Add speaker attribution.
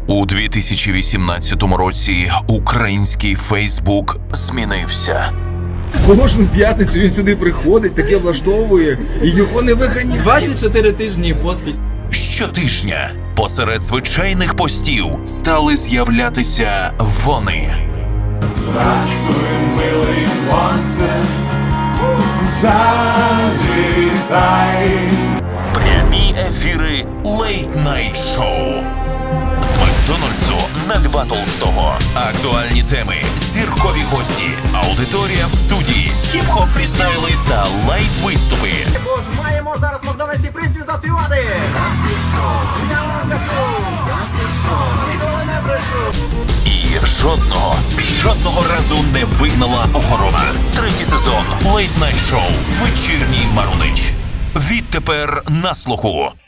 Speaker 1: У 2018 році український Фейсбук змінився.
Speaker 2: Кожну п'ятницю він сюди приходить, таке влаштовує, і його не виганяють.
Speaker 3: 24 тижні поспіль.
Speaker 1: Щотижня посеред звичайних постів стали з'являтися вони.
Speaker 4: Здравствуй, милий монстр, залітай.
Speaker 1: Прямі ефіри Late Night Show. З Макдональдсу на Льва Толстого. Актуальні теми, зіркові гості, аудиторія в студії, хіп-хоп фрістайли та лайв-виступи.
Speaker 3: Бо ж маємо зараз в Макдональдсі приспів заспівати. Я вам кажу, ніколи не брешу.
Speaker 1: І жодного разу не вигнала охорона. Третій сезон Late Night Show. Вечірній Марунич. Відтепер на слуху.